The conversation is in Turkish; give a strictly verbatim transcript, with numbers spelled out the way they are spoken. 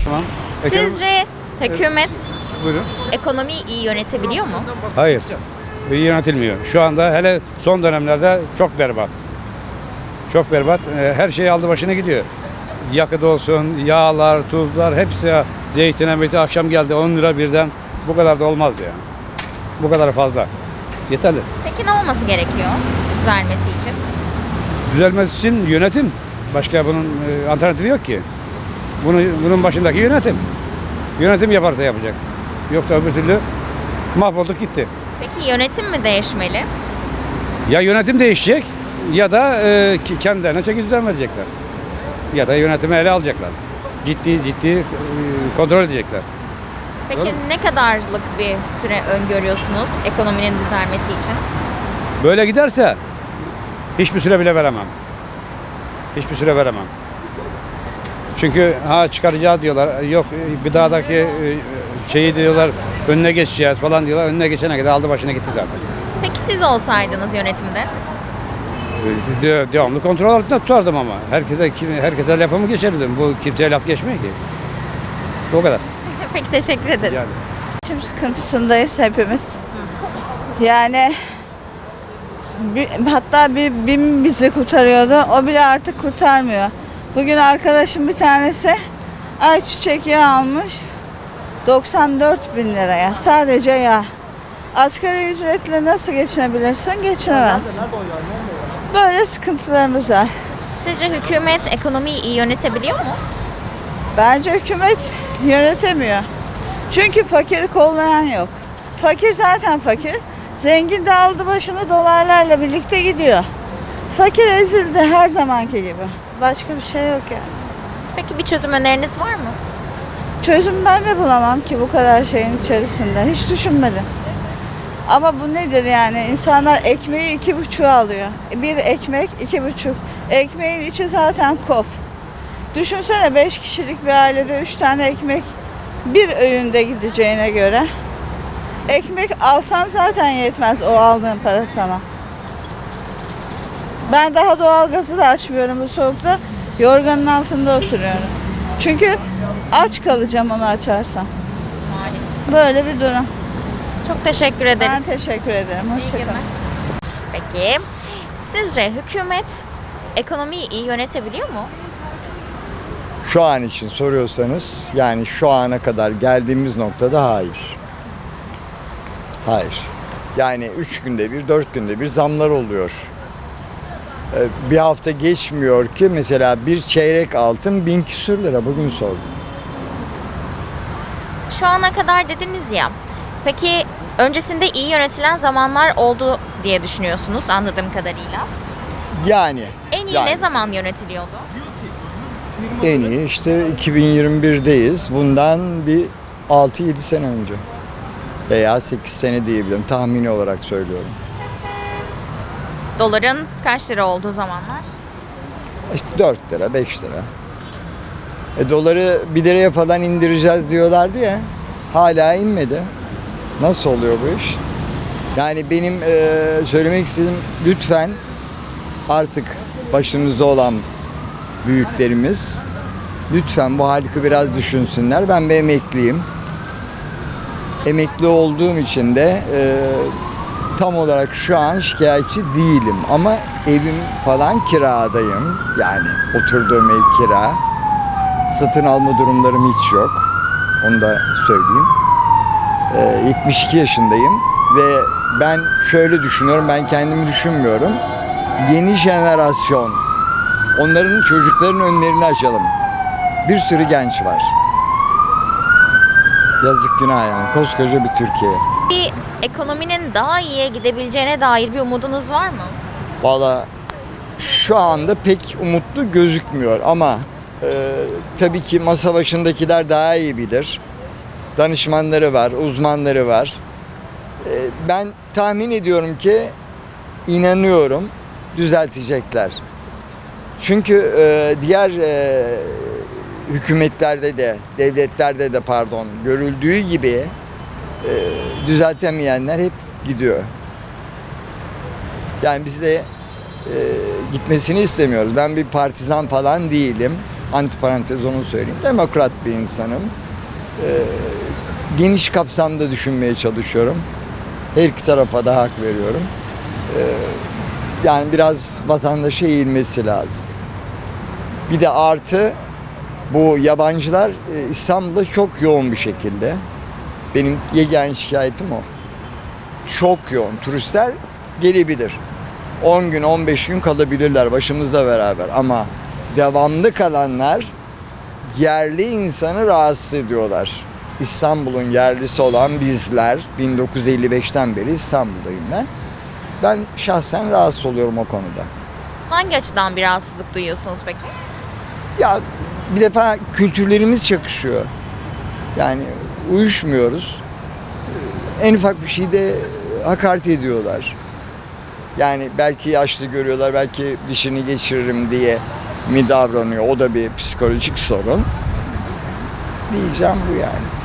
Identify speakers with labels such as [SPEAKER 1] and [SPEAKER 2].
[SPEAKER 1] Tamam.
[SPEAKER 2] Sizce hükümet
[SPEAKER 1] Buyurun.
[SPEAKER 2] ekonomiyi iyi yönetebiliyor mu?
[SPEAKER 1] Hayır. İyi yönetilmiyor. Şu anda hele son dönemlerde çok berbat. Çok berbat. Ee, Her şey aldı başına gidiyor. Yakıt olsun, yağlar, tuzlar hepsi zeytin emeti akşam geldi on lira birden. Bu kadar da olmaz ya. Bu kadar fazla. Yeterli.
[SPEAKER 2] Peki ne olması gerekiyor düzelmesi için?
[SPEAKER 1] Düzelmesi için yönetim. Başka bunun e, alternatifi yok ki. Bunu, bunun başındaki yönetim. Yönetim yaparsa yapacak. Yoksa öbür türlü mahvolduk gitti.
[SPEAKER 2] Peki yönetim mi değişmeli?
[SPEAKER 1] Ya yönetim değişecek ya da e, ki- kendilerine çeki düzen verecekler. Ya da yönetimi ele alacaklar. Ciddi ciddi e, kontrol edecekler.
[SPEAKER 2] Peki
[SPEAKER 1] Doğru.
[SPEAKER 2] ne kadarlık bir süre öngörüyorsunuz ekonominin düzelmesi için?
[SPEAKER 1] Böyle giderse hiçbir süre bile veremem. Hiçbir süre veremem. Çünkü ha çıkaracağı diyorlar. Yok e, gıdadaki e, şeyi diyorlar önüne geçeceğiz falan diyorlar. Önüne geçene kadar aldı başına gitti zaten.
[SPEAKER 2] Peki siz olsaydınız yönetimde?
[SPEAKER 1] De- devamlı kontrol altında tutardım ama. Herkese kim- herkese lafımı geçerdim. Bu kimseye laf geçmiyor ki. O kadar.
[SPEAKER 2] Peki teşekkür ederiz.
[SPEAKER 1] Yani.
[SPEAKER 3] Geçim sıkıntısındayız hepimiz. Yani bir, hatta bir BİM bizi kurtarıyordu. O bile artık kurtarmıyor. Bugün arkadaşım bir tanesi ayçiçek yağı almış. doksan dört bin liraya. Sadece yağ. Asgari ücretle nasıl geçinebilirsin? Geçinemez. Böyle sıkıntılarımız var.
[SPEAKER 2] Sizce hükümet ekonomiyi iyi yönetebiliyor mu?
[SPEAKER 3] Bence hükümet yönetemiyor. Çünkü fakiri kollayan yok. Fakir zaten fakir. Zengin de aldı başını dolarlarla birlikte gidiyor. Fakir ezildi her zamanki gibi. Başka bir şey yok yani.
[SPEAKER 2] Peki bir çözüm öneriniz var mı?
[SPEAKER 3] Çözüm ben de bulamam ki bu kadar şeyin içerisinde. Hiç düşünmedim. Ama bu nedir yani? İnsanlar ekmeği iki buçuğa alıyor. Bir ekmek iki buçuk. Ekmeğin içi zaten kof. Düşünsene beş kişilik bir ailede üç tane ekmek bir öğünde gideceğine göre. Ekmek alsan zaten yetmez o aldığın para sana. Ben daha doğalgazı da açmıyorum bu soğukta. Yorganın altında oturuyorum. Çünkü aç kalacağım onu açarsam.
[SPEAKER 2] Maalesef.
[SPEAKER 3] Böyle bir durum.
[SPEAKER 2] Çok teşekkür ederiz.
[SPEAKER 3] Ben teşekkür ederim.
[SPEAKER 2] İyi
[SPEAKER 3] Hoşçakalın.
[SPEAKER 2] günler. Peki sizce hükümet ekonomiyi iyi yönetebiliyor mu?
[SPEAKER 4] Şu an için soruyorsanız yani şu ana kadar geldiğimiz noktada hayır. Hayır. Yani üç günde bir, dört günde bir zamlar oluyor. Ee, Bir hafta geçmiyor ki mesela bir çeyrek altın bin küsür lira bugün sordum.
[SPEAKER 2] Şu ana kadar dediniz ya. Peki öncesinde iyi yönetilen zamanlar oldu diye düşünüyorsunuz anladığım kadarıyla.
[SPEAKER 4] Yani
[SPEAKER 2] En iyi
[SPEAKER 4] Yani.
[SPEAKER 2] ne zaman yönetiliyordu?
[SPEAKER 4] en iyi işte iki bin yirmi birdeyiz. Bundan bir altı yedi sene önce veya sekiz sene diyebilirim. Tahmini olarak söylüyorum.
[SPEAKER 2] Doların kaç lira olduğu zamanlar?
[SPEAKER 4] İşte dört lira, beş lira. E, doları bir liraya falan indireceğiz diyorlardı ya. Hala inmedi. Nasıl oluyor bu iş? Yani benim e, söylemek istediğim lütfen artık başımızda olan büyüklerimiz lütfen bu halkı biraz düşünsünler. Ben bir emekliyim. Emekli olduğum için de e, tam olarak şu an şikayetçi değilim ama evim falan kiradayım. Yani oturduğum ev kira. Satın alma durumlarım hiç yok. Onu da söyleyeyim. Ee, yetmiş iki yaşındayım ve ben şöyle düşünüyorum, ben kendimi düşünmüyorum. Yeni jenerasyon, onların çocukların önlerini açalım. Bir sürü genç var. Yazık günah yani, koskoca bir Türkiye.
[SPEAKER 2] Bir ekonominin daha iyiye gidebileceğine dair bir umudunuz var mı?
[SPEAKER 4] Valla şu anda pek umutlu gözükmüyor ama e, tabii ki masa başındakiler daha iyi bilir. Danışmanları var, uzmanları var. E, ben tahmin ediyorum ki, inanıyorum düzeltecekler. Çünkü e, diğer e, hükümetlerde de, devletlerde de pardon görüldüğü gibi e, düzeltemeyenler hep gidiyor. Yani biz de e, gitmesini istemiyoruz. Ben bir partizan falan değilim. antiparantez onu söyleyeyim. Demokrat bir insanım. Ee, geniş kapsamda düşünmeye çalışıyorum. Her iki tarafa da hak veriyorum. Ee, yani biraz vatandaşa eğilmesi lazım. Bir de artı bu yabancılar e, İstanbul'da çok yoğun bir şekilde. Benim yegane şikayetim o. Çok yoğun. Turistler gelebilir. on gün, on beş gün kalabilirler başımızla beraber. Ama devamlı kalanlar yerli insanı rahatsız ediyorlar. İstanbul'un yerlisi olan bizler, bin dokuz yüz elli beşten beri İstanbul'dayım ben. Ben şahsen rahatsız oluyorum o konuda.
[SPEAKER 2] Hangi açıdan bir rahatsızlık duyuyorsunuz peki?
[SPEAKER 4] Ya bir defa kültürlerimiz çakışıyor. Yani uyuşmuyoruz. En ufak bir şeyde hakaret ediyorlar. Yani belki yaşlı görüyorlar, belki dişini geçiririm diye mi davranıyor? O da bir psikolojik sorun. Diyeceğim bu yani.